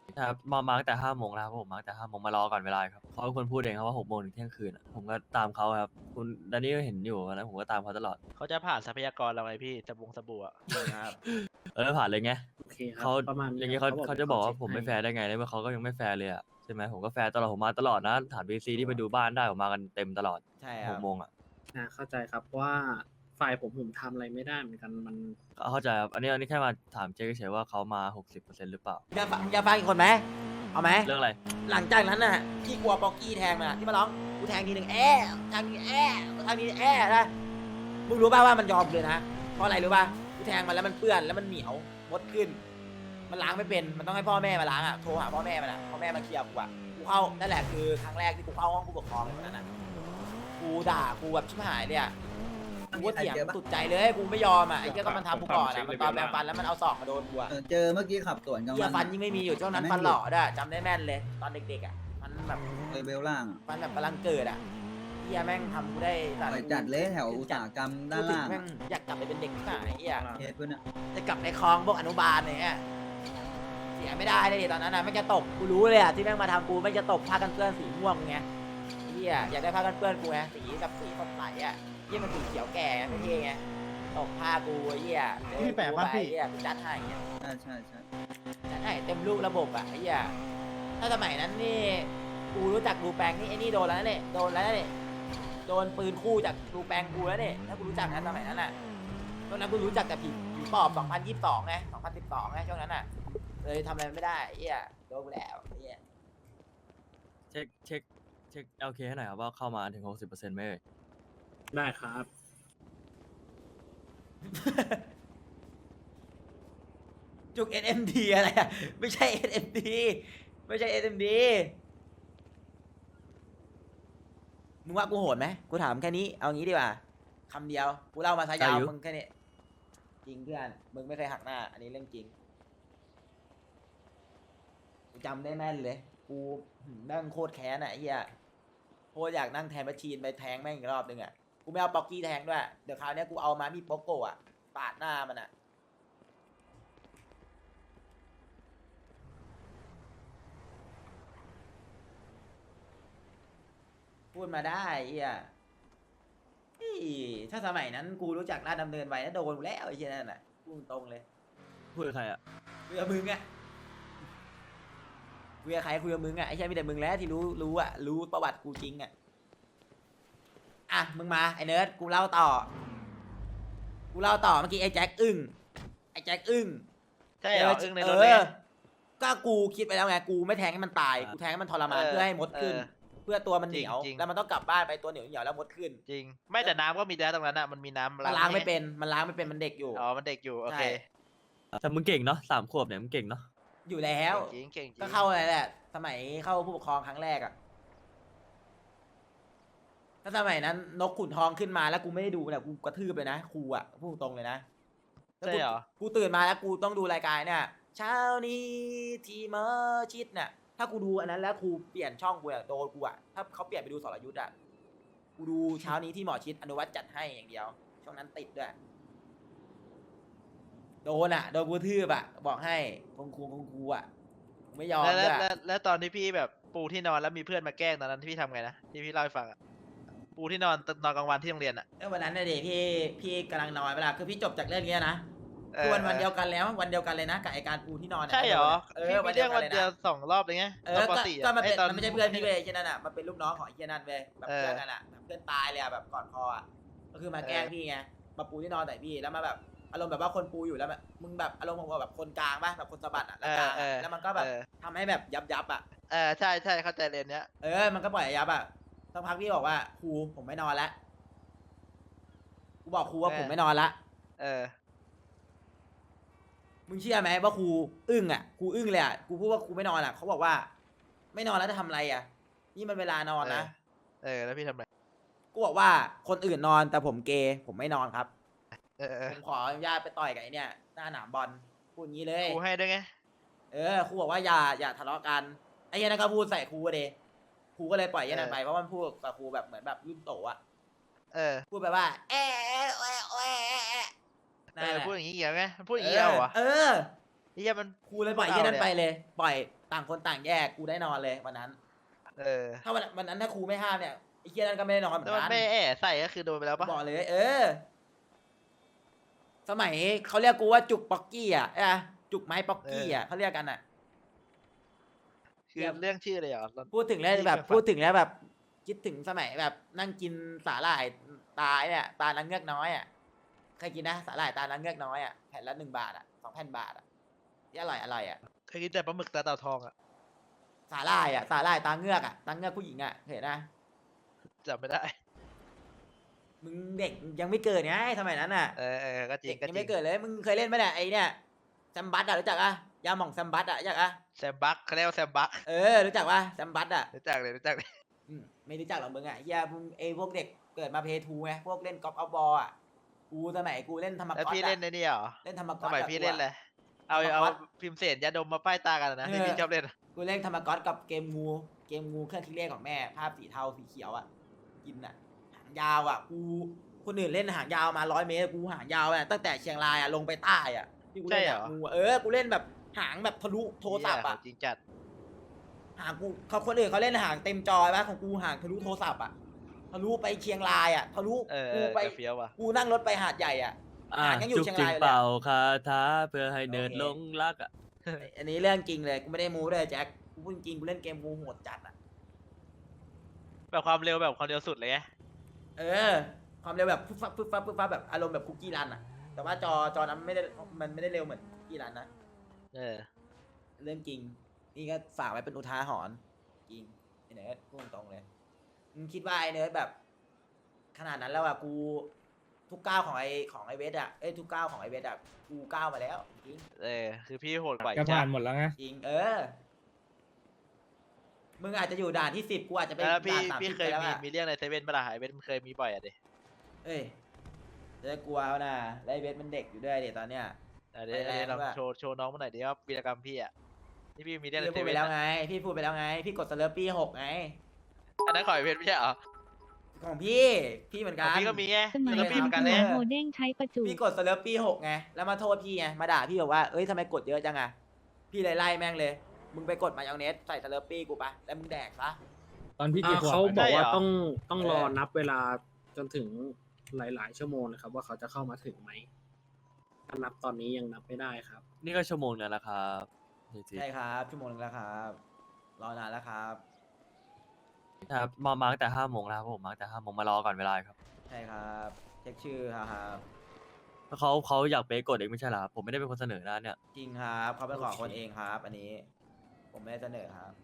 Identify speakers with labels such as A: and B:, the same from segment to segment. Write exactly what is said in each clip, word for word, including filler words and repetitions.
A: ครับมามาตั้งแต่ห้าโมงแล้วครับผมมาตั้งแต่ห้าโมงมารอก่อนเวลาครับเขาเป็นคนพูดเองครับว่าหกโมงถึงเที่ยงคืนอะผมก็ตามเขาครับคุณดานนี่ก็เห็นอยู่นะผมก็ตามเขาตลอด
B: เขาจะผ่านทรัพยากรเราไงพี่สบงสบู่อะ
C: ครับ
A: เออผ่านเลยไง
C: โอเคครับ
A: เขา
C: ประมาณ
A: อ
C: นี้
A: ย่าง
C: ค
A: งี้
C: รับ
A: เขา
C: เขาบอก
A: เขา
C: เดี๋
A: จะ
C: ยว
A: บอก
C: เขา
A: ว่า
C: เช็ค
A: ผม
C: ให้
A: ไม่แฟร์ได้ไงในเมื่อเขาก็ยังไม่แฟร์เลยอะใช่ไหมผมก็แฟร์ตลอดผมมาตลอดนะถามบีซีที่ไปดูบ้านได้ผมมากันเต็มตลอด
D: ใช่ค
A: ห
D: รับ
A: กโมงอะ
C: อ่าเข้าใจครับเพราะว่าฝ่ายผมผมทำอะไรไม่ได้เหมือนกันมัน
A: เข้าใจครับอันนี้อันนี้แค่มาถามเจ๊เฉยๆว่าเขามาหกสิบเปอร์เซ็นต์หรือเปล่า
D: อยากฟังอยากฟังอีกคนไหมเอาไหม
A: เรื่องอะไร
D: หลังจากนั้นน่ะที่กลัวป๊อกกี้แทงน่ะที่มาร้องกูแทงทีหนึ่งแอะทางนี้แอะทางนี้แอะนะมึงรู้ป่าวว่ามันยอมเลยนะเพราะอะไรรู้ป่ะกูแทงมันแล้วมันเปื้อนแล้วมันเหนียวมดขึ้น มันล้างไม่เป็นมันต้องให้พ่อแม่มาล้างอ่ะโทรหาพ่อแม่มันอ่ะพ่อแม่มาเคลียร์กูอ่ะกูเข้านั่นแหละคือครั้งแรกที่กูเข้าห้องผู้ปกครองเลยวันนั้นน่ะกูด่ากูแบบชิบหายเลยอ่ะกูก็เถียงตุดใจเลยกูไม่ยอมอ่ะไอ้เจ้าก็มันทำกูก่อนอ่ะมันตอนแบงฟันแล้วมันเอาศอกมาโดนกูอ่ะ
E: เออเจอเมื่อกี้ขับสวนกัน
D: เหี้ยฟันยิ่งไม่มีอยู่ช่วงนั้นฟันหล่อด้วยจำได้แม่นเลยตอนเด็กๆอ่ะมันแบบ
E: เลเวลล่างอะ
D: ฟันแบบกำลังเกิดอ่ะเฮียแม่งทำกูได้
E: ไปจัดเลยแถวอุตสาหกรรมด้านล่าง
D: แม่งอยากกลับไปเป็นเด็กที่ไหนเฮีย
E: เคสเพื่อนอะ
D: จะกลับไปคลองพวกอนุบาลเนี่ยเสียไม่ได้เลยดิตอนนั้นน่ะไม่งจะตกกูรู้เลยอ่ะที่แม่งมาทำกูไม่งจะตกผ้ากันเปื้อนสีม่วงไงเฮียอยากได้ผ้ากันเปื้อนกูไงสีแบบสีสดใสอ่ะเฮียมันสีเขียวแก่ไงไม่เท่ไงตกผ้ากูไอ้เฮีย
F: พี่แปะปะพี่
D: เฮียกูจัดให้เงี้ย
E: ใช่ใช่ใช่
D: จัดให้เต็มรูประบบอ่ะไอ้เฮียถ้าสมัยนั้นนี่กูรู้จักดูแปลงนี่ไอ้นี่โดนแล้วเนี่ยโดนแล้วเนี่ยโดนปืนคู่จากดูแปลงกูแล้วเนี่ยถ้ากูรู้จักนะสมัยนั้นอ่ะตอนนั้นกูรู้จักแต่ผีผีปอบสองพันยี่สิบสองไงสองพันสิบสองไงช่วงนั้นอ่ะเลยทำอะไรไม่ได้ไอ้เฮียโดนกูแล้วไอ้เฮีย
A: เช็คเช็คเช็คโอเคให้หน่อยครับว่าเข้ามาถึงหกสิบเปอร์เซ็นต์ไหมเอ่ย
C: ได้ครับ
D: จุก เอส เอ็ม ดี อะไรอ่ะไม่ใช่ เอส เอ็ม ดี ไม่ใช่ เอส เอ็ม ดี มึงว่ากูโหดไหมกูถามแค่นี้เอางี้ดีกว่าคำเดียวกูเล่ามาซะยาวมึงแค่นี้จริงเพื่อนมึงไม่เคยหักหน้า อันนี้เรื่องจริงกูจำได้แม่นเลยกูนั่งโคตรแค้นอ่ะไอ้เหี้ยโคตรอยากนั่งแทนแมชชีนไปแทงแม่งอีกรอบนึงอ่ะกูไม่เอาป๊อกกี้แทงด้วยเดี๋ยวคราวนี้กูเอามามีดโป๊กโกะอ่ะปาดหน้ามันอ่ะ พูดมาได้เฮียเฮ้ยถ้าสมัยนั้นกูรู้จักลาดดำเนินไว้นะโดนกูแล้วไอ้เหี้ยนั่นน่ะพูดตรงเลย
A: พูดกับใครอะ
D: คุยกับมึงอะคุยกับใครคุยกับมึงอะไอ้เหี้ยมีแต่มึงแล้วที่รู้รู้อะรู้ประวัติกูจริงอะอ่ะมึงมาไอ้เนิร์ดกูเล่าต่อ กูเล่าต่อเมื่อกี้ไอ้แจ็คอึ้งไอ้แจ็คอึ้ง
B: ใช่เหรออึ้งในรถเลย
D: ออก็กูคิดไปแล้วไงกูไม่แทงให้มันตายกูแทงให้มันทรมาน
B: เออ
D: เพื่อให้มดขึ้น
B: เออ
D: เพื่อตัวมันเหนียว
B: จริงๆ
D: แล้วมันต้องกลับบ้านไปตัวเหนียวเหนียวแล้วมดขึ้น
B: จริง ไม่แต่น้ำก็มีแล้วตรงนั้นอ่ะมันมีน้ำ
D: มันล้างไม่เป็น มันล้างไม่เป็น มันเด็กอยู่
B: อ๋อมันเด็กอยู่โอเค
D: ใช่
A: แต่มึงเก่งเนาะสามขวบเนี่ยมึงเก่งเนาะ
D: อยู่แล้ว
B: เก่งจริงเก่งจริง
D: ก็เข้าอะไรแหละ สมัยเข้าผู้ปกครองครั้งแรกอะถ้าสมัยนั้นนกขุนทองขึ้นมาแล้วกูไม่ได้ดูเนี่ยกูกระทืบเลยนะครูอะพูดตรงเลยนะแล้ว
B: ใช่
D: กู
B: เหรอ
D: กูตื่นมาแล้วกูต้องดูรายการเนี่ยเช้านี้ที่เมอชิดเนี่ยถ้ากูดูอันนั้นแล้วครูเปลี่ยนช่องกูอะโดนกูอะถ้าเขาเปลี่ยนไปดูสรยุทธ์อะกูดูเช้านี้ที่หมอชิดอนุวัฒน์จัดให้อย่างเดียว ช่วงนั้นติดด้วยโดนอะโดนกูทืบอะบอกให้คงครูคงครูอะกูไม่ยอม
B: แล้ว
D: ด้
B: แล้ว
D: วย
B: แล้วแล้วตอนที่พี่แบบปูที่นอนแล้วมีเพื่อนมาแกล้งตอนนั้นที่พี่ทำไงนะที่พี่เล่าให้ฟังอะปูที่นอนนอนกลางวันที่โรงเรียนอะ
D: เออวันนั้นน่ะเด็พี่พี่กำลังนอนเวลาคือพี่จบจากเรื่องเนี้ยนะ
B: เอ
D: คือ
B: อ
D: วันวันเดียวกันแล้ววันเดียวกันเลยนะกับไอการปูที่นอนนี่ย
B: ใช่เหรอ
D: เอ
B: พี่
D: อ
B: มีเรื่องวันเดียว
D: ลนะ
B: สองรอบเลยไง
D: เอ
B: ตอ
D: อน
B: ป
D: ก็
B: สี่
D: ก็
B: อะ
D: มันเป็น
B: ไอ้ตอน
D: มันไม่ใช่เพื่อนพี่เว้ยไอ้เช่นนั้นอ่ะมันเป็นลูกน้องของไอ้เช่นนั้นเว้ยแบบ
B: เออ
D: เพื่อนกันอ่ะแบบเพื่อนตายเลยอ่ะแบบก่อนคออ่ะก็คือมาแกล้งพี่ไงมาปูที่นอนใส่พี่แล้วมาแบบอารมณ์แบบว่าคนปูอยู่แล้วแบบมึงแบบอารมณ์ของแบบคนกลางป่ะแบบคนสะบัดอ่ะแล้วกลาง
B: เออ
D: อะ
B: เออ
D: แล้วมันก็แบบ
B: เออ
D: ทำให้แบบยับยับอ่ะ
B: เออใช่ใช่เข้าใจเรียนเนี้ย
D: เออมันก็ปล่อยให้ยับอ่ะสักพักพี่บอกว่าครูผมไม่นอนแล้วกูบอกครูว่าผมไม่นอนละ
B: เออ
D: มึงเชื่อไหมว่าครูอึ้งอ่ะครูอึ้งเลยอ่ะกูพูดว่าครูไม่นอนอ่ะเขาบอกว่า ไม่นอนแล้วจะทำอะไรอ่ะ นี่มันเวลานอนนะ
B: เออแล้วพี่ทำไร
D: กูบอกว่าคนอื่นนอนแต่ผมเกย์ผมไม่นอนครับ
B: เออเออ
D: ผมขออนุญาตไปต่อยกับไอ้เนี่ยหน้าหนามบอลพูดงี้เลย
B: ครูให้ด้วยไง
D: เออครูบอกว่าอย่าอย่าทะเลาะกันไอ้เหี้ยนั่นก็พูดใส่ครูเดครูก็เลยปล่อยไอ้นั่นไปเพราะมันพูดกับครูแบบเหมือนแบบรุ่นโตอ่ะ
B: เออ
D: พูดไปว่าแอะแอะแอะแอะแอะ
B: เออพูดอย่างนี้เหี้ยไงมันพูดอย่างนี้เอาเหรอ
D: เออ
B: เหี้ยมัน
D: ครูเลยปล่อยไอ้นั่นไปเลย ปล่อยต่างคนต่างแยกกูได้นอนเลยวันนั้น
B: เออ
D: ถ้าวันวันนั้นถ้าครูไม่ห้ามเนี่ยไอ้เหี้ยนั่นก็ไม่ได้นอนเหมือ
B: แล้ว
D: น
B: มัน
D: กัน
B: ไม่แอะใส่ก็คือโดนไปแล้วปะ
D: บอกเลย เออ สมัยเขาเรียกกูว่าจุกป๊อกกี้อ่ะอะจุกไม้ป๊อกกี้อ่ะเขาเรียกกันอ่ะ
B: คือเรื่องชื่อเลยเหรอ
D: พูดถึงแล้ว
B: ที่
D: แบบ
B: เคยฟัง
D: พูดถึงแล้วแบบ คิดถึงสมัยแบบนั่งกินสาหร่ายตาเนี่ยตาลังเงือกน้อยอ่ะเคยกินนะสาหร่ายตาลังเงือกน้อยอ่ะแผ่นละหนึ่งบาทอ่ะสองแผ่นบาทอ่ะที่อร่อยอร่อยอ่ะ
B: เคยกินแต่ปลาหมึกตาเต่าทองอะ
D: สาหร่ายอ่ะสาหร่ายตาเงือกอ่ะตาเงือกผู้หญิงอ่ะเห็นนะ
B: จำไม่ได้
D: มึงเด็กยังไม่เกิดไงสมัยนั้นอ่ะ
B: เออเออก็จริ
D: เด็
B: ง
D: ก
B: ก็
D: ยัง
B: จริ
D: ไม่
B: ง
D: เกิดเลยมึงเคยเล่นไหมเนี่ยไอเนี่ยแซมบัสอ่ะรู้จักอ่ะยาหม่องแซมบัสอ่ะรู้จักอ่ะ
B: แซมบักเขาเรียกว่าแซมบัก
D: เออรู้จักป่ะแซมบัสอ่ะ
B: รู้จักเลยรู้จักเลย
D: อืมไม่รู้จักหรอกมึงอ่ะเฮียมึงไอพวกเด็กเกิดมาเพย์ทูไงพวกเล่นกอล์ฟเอาบอลอ่ะกูสมัยกูเล่นธรรม
B: แล้ว
D: ก๊อต
B: พี่
D: อ่ะ
B: เล่นในนี่เหรอ
D: เล่นธรรม
B: ส
D: ก๊อต
B: มัย
D: อะ
B: พี่
D: กู
B: เล่น
D: อะ
B: เลย เอา
D: ธรรม
B: เอา
D: ก๊อต
B: พิมพ์เศษยาดมมาป้ายตากันอะนะที่
D: เออ
B: พี่ชอบเล่นอะ
D: กูเล่นธรรมก๊อตกับเกมงูเกมงูเครื่องคิดเลขของแม่ภาพสีเทาสีเขียวอ่ะกินอ่ะหางยาวอ่ะกูคนอื่นเล่นหางยาวมาร้อยเมตรกูหางยาวอ่ะตั้งแต่เชียงรายอ่ะลงไปใต้อ่ะที่กูเล่น
B: ใช่เหร
D: อ่ะ
B: อ
D: งูอะเออกูเล่นแบบหางแบบทะลุโทรศัพท์อ่ะ
B: เหี้ยจริงจัด
D: หางกูเขาคนอื่นเขาเล่นหางเต็มจอป่ะของกูหางทะลุโทรศัพท์อ่ะทะลุไปเชียงรายอ่ะทะลุ
B: เออเอ
D: กู
B: อ
D: ไป
B: แต่เฟี้ยวว่ะ
D: กูนั่งรถไปหาดใหญ่อ่ะ
A: อ่ะ
D: หางยังอยู่
A: จุก
D: เชียง
A: จิ
D: ราก ยอยู่เลย
A: เป่า
D: อะ
A: คาถาเพื่อให้เนิร์ด
D: โอเค
A: หลงรักอ่ะ
D: อันนี้เรื่องจริงเลยกูไม่ได้มูด้วยแจ็คกูพูดจริงกูเล่นเกมงูโหดจัดอ่ะ
B: แบบความเร็วแบบความเร็วสุดเลยไง
D: เออ ความเร็วแบบฟึบฟับฟึบฟับฟึบฟับแบบอารมณ์แบบคุกกี้รันอ่ะ แต่ว่าจอจอนั้นไม่ได้มันไม่ได้เร็วเหมือนคุกกี้รันนะ
B: เออ
D: เรื่องจริง นี่ก็ฝากไว้เป็นอุทาหรณ์จริงไอเนิร์ดพูดตรงๆเลยมึงคิดว่าไอเนิร์ดแบบ ขนาดนั้นแล้วอ่ะกูทุกก้าวของไอของไอเวทอ่ะเอ้ยทุกก้าวของไอเวทอ่ะกูก้าวมาแล้วจริง
B: เออ คือพี่โหดกว่าอี
F: ก็
B: กจ้ะ
F: ผ่านหมดแล้วไง
D: จริงเออ มึงอาจจะอยู่ด่านที่สิบกูอาจจะไป
B: แล้วพี่
D: ด่านสาม
B: พี่
D: สิบ
B: เค
D: ไป
B: ย
D: แล้ว
B: มี
D: อะ
B: มีเรื่องในเซเว่นปะล่ะไอเบนเคยมีบ่อยอะดิ
D: เอ้ยจะกลัวเอานะแล้วไอเวทมันเด็กอยู่ด้วยเดี๋ยวตอนเนี้ย
B: อ่ะเดี๋ยว
D: ไปแรง
B: เดี๋ยวลอง
D: ด้วย
B: โชว์โชว์น้องมาหน่อยดิว่าวีรกรรมพี่อะที่พี่มีเรื่องใน
D: พี่
B: เซ
D: พูดไป
B: เว่น
D: แล้ว
B: อะ
D: ไง พี่พูดไปแล้วไง พี่กดสเลอร์ปี้หกไง
B: อันนั้นขอไอเบนไม่ใช่เหรอ
D: ของพี่ พี่เหมือน
B: ข
D: กั
B: อง
D: น
B: พี่ก็มีไง
G: สมัย
B: แล้ว
G: เป็
B: พี่
G: น
B: เหมือนกัน
G: หั
B: เล
G: วย โฮเด้งใช้ประจุ
D: พี่กดสเลอร์ปี้หกไง แล้วมาโทษพี่ไง มาด่าพี่บอกว่า เอ้ยทำไมกดเยอะจังอะพี่เลยไล่แม่งเลย มึงไปกดมายองเนสใส่สเลอร์ปี้กูปะแล้วมึงแดกซะ
F: ตอนพี่
H: อ่า
F: กี่ขวบ
H: เขา
F: อะ
H: บอกว่า
B: ได้เหรอ
H: ต้องต้องรอ
D: เออ
H: นับเวลาจนถึงหลาย ๆ ชั่วโมงนะครับ ว่าเขาจะเข้ามาถึงไหมถ้านับตอนนี้ยังนับไม่ได้ครับ
A: นี่ก็ชั่วโมงนึงแล้วครับจริง
D: ใช่ครับ ชั่วโมงนึงแล้วครับ รอนานแล้วครับ
A: ๆครับมามาตั้งแต่ห้าโมงแล้วครับผมมาตั้งแต่ห้าโมงมารอก่อนเวลาครับ
D: ใช่ครับ เช็คชื่อครับ
A: เพราะเขาเขาอยากเป๊กกดเองไม่ใช่เหรอครับผมไม่ได้เป็นคนเสนอนะเนี่ย
D: จริงครับเขาเป็นของ
H: โอเค
D: คนเองครับ อันนี้ ผมไม่ได้เสนอครับ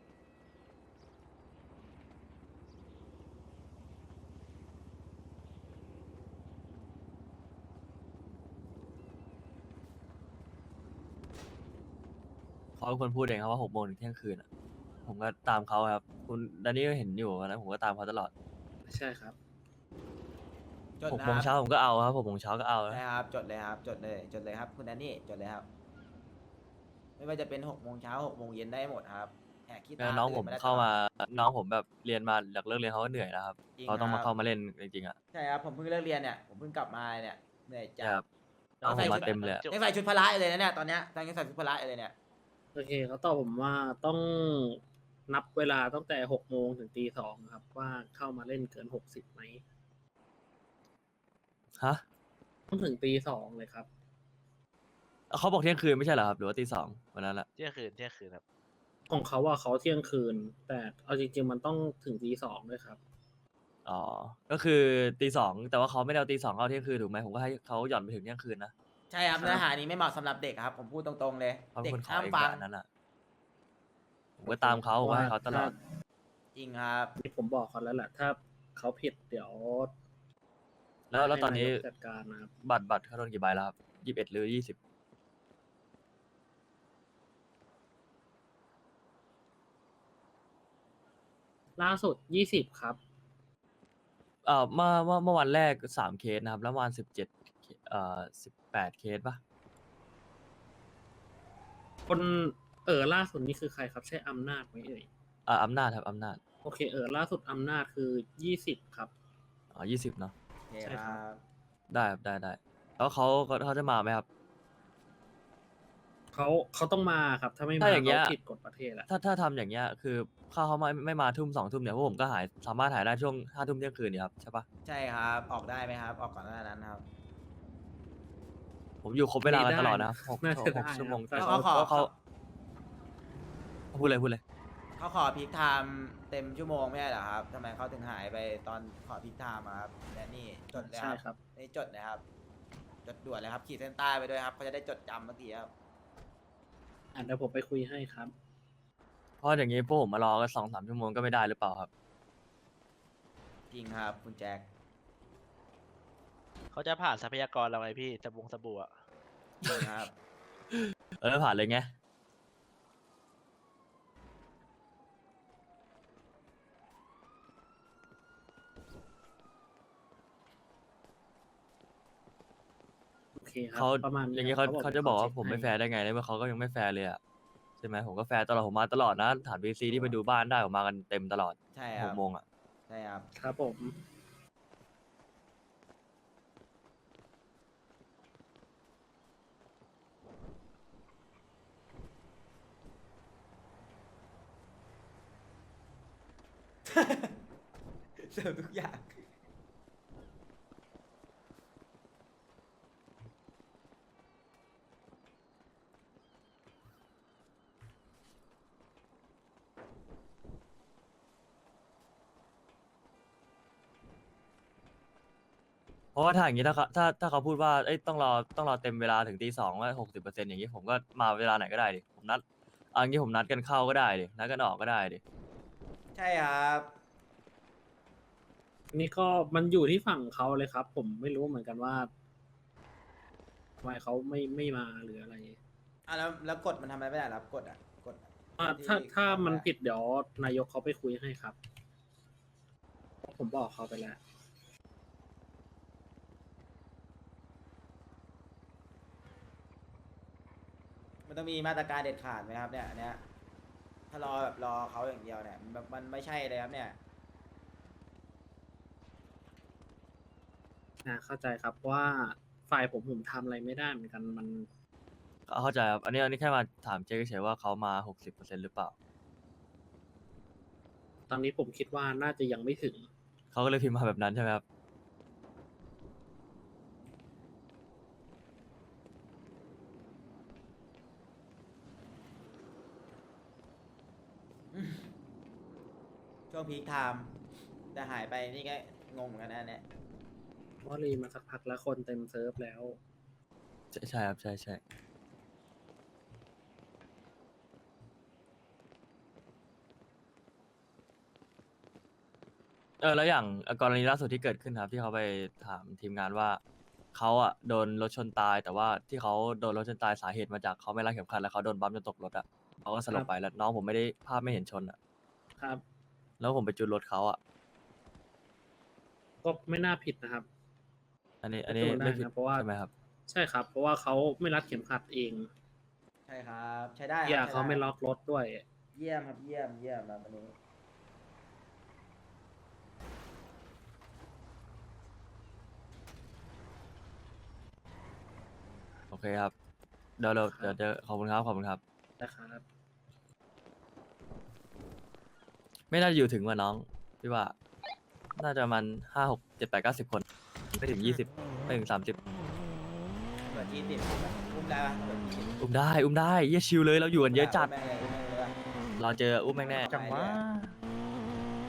A: เขาเป็นคนพูดเองครับว่าหกโมงถึงเที่ยงคืนอ่ะ ผมก็ตามเขาครับ คุณดานนี่ก็เห็นอยู่นะผมก็ตามเขาตลอด
H: ใช่ครับ
D: จด
A: หก
D: นะ
A: โมง
D: ค
A: เช้า
D: รับ
A: ผมก็เอาครับหกโมงเช้าก็เอานะ
D: ใช่ครับ จดเลยครับ จดเลย จดเลยครับ คุณแดนนี่ จดเลยครับ ไม่ว่าจะเป็นหกโมงเช้าหกโมงเย็นได้หมดครับแหกขี้
A: แล้
D: ตาว
A: น้องผม
D: ตื่ไได้
A: เข้ามา
D: ตลอด
A: น้องผมแบบเรียนมาหลักเลิกเรียนเขาก็เหนื่อยแล้วครับ
D: จริง
A: เขาต้องมา
D: ครับ
A: เข้ามาเล่นจริงๆอ่ะ
D: ใช่ครับ ผมเพิ่งเลิกเรียนเนี่ย ผมเพิ่งกลับมาเนี่ย เหนื่อยจัด
A: ครับ น้องผมมาเต็มเลยอะ
D: ยังใส่ชุดพละอยู่เลยนะเนี่ย ตอนเนี้ยยังใส่ชุดพละอยู่เลยเนี่ย
H: โอเคเขาตอบผมว่าต้องนับเวลาตั้งแต่หกโมงถึงตีสองครับ ว่าเข้ามาเล่นเกินหกสิบไหม
A: ฮะ
H: ต้องถึงตีสองเลยครับ
A: เขาบอกเที่ยงคืนไม่ใช่เหรอครับหรือว่าตีสองวันนั้นแหละ
B: เที่ยงคืนเที่ยงคืนครับ
H: ของเขาว่าเขาเที่ยงคืน แต่เอาจริง ๆ มันต้องถึงตีสองด้วยครับ
A: อ๋อ ก็คือตีสองแต่ว่าเขาไม่ได้เอาตีสองเอาเที่ยงคืนถูกไหมผมก็ให้เขาหย่อนไปถึงเที่ยงคืนนะ
D: ใช่ครับ เนื้อหานี้ไม่เหมาะสำหรับเด็กครับ ผมพูดตรงๆเลย
A: เขาเป็
D: เด็
A: น
D: ก
A: คนขอ
D: ห้าม
A: เอง
D: ฟัง
A: แบบนั้นอ่ะผมก็ตามเขาผมก็ให้เขาตลอด
D: จริงครับ
H: ที่ผมบอกเขาแล้วแหละ ถ้าเขาผิดเดี๋ยว
A: แล้วแล้วตอนนี้
H: ให้ายกจัดการนะครับ
A: บัตรบัตรเขาโดนกี่ใบแล้วครับยี่สิบเอ็ดหรือยี่สิบ
H: ล่าสุดยี่สิบครับ
A: เอ่อเมื่อเมื่อเมื่อวันแรกสามเคสนะครับ แล้ววันสิบเจ็ดเอ่อสิบแปดเคสปะ
H: คนเออล่าสุดนี่คือใครครับ ใช่อำนาจไหมเอ่ย
A: อ่าอำนาจครับอำนาจ
H: โอเคเออล่าสุดอำนาจคือยี่สิบครับ
A: อ๋อยี่สิบเนาะ
D: โอเค
H: ใช่
D: ค
H: ครั
D: รับ
H: บ
A: ได้ครับได้ได้แล้วเขาเขาเขาจะมาไหมครับ
H: เขเขาเขาต้องมาครับ ถ้าไม่มา
A: ถ้าอย่างเงี้ย
H: เขาผิดกฎประเทศอะ
A: ถ้าถ้าทำอย่างเงี้ยคือข้าเขาไม่ไม่มาทุ่มสองทุ่มเนี่ยพวกผมก็หายสามารถหายได้ช่วงห้าทุ่มเที่ยงคืนเนี่ยครับใช่ปะ
D: ใช่ครับออกได้ไหมครับ ออกก่อนหน้านั้นครับ
A: ผมอยู่ครบเวลากันตลอดนะครับหก
H: น่า
A: ห
H: จะ
A: ก
H: ได้
A: ชั่วโมง
H: ครับ
A: แต่
D: เขา
A: เขา
D: ขอ
A: เขาพูดเลยพูดเลย
D: เขาขอพีคไทม์เต็มชั่วโมงไม่ใช่เหรอครับทำไมเขาถึงหายไปตอนขอพีคไทม์อะครับและนี่จดเลย
H: ใช่
D: ค
H: ครั
D: รับบ นี่จดเลยครับ จดด่วนเลยครับขีดเส้นใต้ไปด้วยครับเขาจะได้จดจำเมื่อกี้ครับ
H: อ่ะเดี๋ยวผมไปคุยให้ครับ
A: เพราะอย่างงี้พวกผมมารอกันสองสามชั่วโมงก็ไม่ได้หรือเปล่าครับ
D: จริงครับคุณแจ็ค
B: เขาจะผ่านทรัพยากรเราไงพี่สบงสบู่อะ
D: จริงครับ
A: เออผ่านเลยไง
H: โอเคครับ
A: เขา
H: ประมาณ
A: อย่าง
H: นี้
A: งี้
H: ครั
A: เขา
H: บ
A: เขาจะบอกว่า
H: ช็ค
A: ผมไม่
H: ให้
A: แฟร์ได้ไงในเมื่อเขาก็ยังไม่แฟร์เลยอะใช่ไหมผมก็แฟร์ตลอดผมมาตลอดนะถามบีซีที่ไปดูบ้านได้ผมมากันเต็มตลอด
D: ใช่ค
A: ห
D: รั
A: ก
D: บ
A: โมงอะ
D: ใช่ครับ
H: ครับผม
D: เสริมทุกอย่าง
A: เพราะว่าถ้าอย่างงี้ถ้าเขาถ้าถ้าเขาพูดว่าเอ้ยต้องรอต้องรอเต็มเวลาถึงตีสองว่าหกสิบเปอร์เซ็นต์อย่างงี้ผมก็มาเวลาไหนก็ได้ดิผมนัดเอันนี้ผมนัดกันเข้าก็ได้ดินัดกันออกก็ได้ดิ
D: ใช่ครับ
H: นี่ก็มันอยู่ที่ฝั่งเขาเลยครับ ผมไม่รู้เหมือนกันว่าทำไมเขาไม่ไม่มาหรืออะไร
D: อ่ะแล้วแล้วกฎมันทำอะไรไม่ได้เหรอครับกฎอ่ะกฎอะ
H: อ่ะ
D: ที่
H: ถ้าถ้า
D: ทำ
H: มัน
D: ได้
H: ผิดเดี๋ยวนายกเขาไปคุยให้ครับ ผมบอกเขาไปแล้ว
D: มันต้องมีมาตรการเด็ดขาดไหมครับเนี่ยอันเนี้ยถ้ารอแบบรอเขาอย่างเดียวเนี่ยมันมันไม่ใช่เลยครับเนี่ย
H: อ่าเข้าใจครับว่าฝ่ายผมผมทำอะไรไม่ได้เหมือนกันมัน
A: เข้าใจครับอันนี้อันนี้แค่มาถามเจ๊เฉยๆว่าเขามาหกสิบเปอร์เซ็นต์หรือเปล่า
H: ตอนนี้ผมคิดว่าน่าจะยังไม่ถึง
A: เขาก็เลยพิมพ์มาแบบนั้นใช่ไหมครับ
D: ช่วงพีคไทม์แต่หายไปนี่ก็งงเหมือนกันนะเนี่ย
H: เพราะรีมาสักพักแล้วคนเต็มเซิร์ฟแล้ว
A: ใช่ใช่ครับใช่ใช่เออแล้วอย่างกรณีล่าสุดที่เกิดขึ้นครับที่เขาไปถามทีมงานว่าเขาอะโดนรถชนตาย แต่ว่าที่เขาโดนรถชนตายสาเหตุมาจากเขาไม่รัดเข็มขัดแล้วเขาโดนบัมป์จนตกรถอะเขาก็สลบไปแล้วน้องผมไม่ได้ภาพไม่เห็นชนอะ
H: ครับ
A: แล้วผมไปจูนรถเขาอะ
H: ก็ไม่น่าผิดนะครับ
A: อันนี้อันนี้
H: จูนได้
A: ไม่ผิด
H: นะเพราะว่า
A: ใช่ไหมครับ
H: ใช่ครับ เพราะว่าเขาไม่รัดเข็มขัดเอง
D: ใช่ครับ ใช้ได้ครับ
H: เกียร์
D: ใช้
H: เขา
D: ด้
H: ไม่ล็อกรถด้วย
D: เยี่ยมครับเยี่ยมเยี่ยมครับวันนี้
A: โอเคครับเดี๋ยวเราเดี๋ยวเดี๋ยวขอบคุณครับขอบคุณครับ
H: นะครับ
A: ไม่น่าจะอยู่ถึงว่าน้องพี่ว่า น่าจะประมันห้าหกเจ็ดแปดเก้าสิบคนไม่ถึงยี่สิบไม่ถึงสามสิบ
D: เปิดยี่สิบอุ้มได้ปะเปิดยี่สิบ
A: อุ้มได้อุ้มได้เยี่ยชิวเลยเราอยู่กันเยอะจัด
D: แม่งเลยแม่งเลย
A: รอเจออุ้มแม่งแน่
D: จังวะ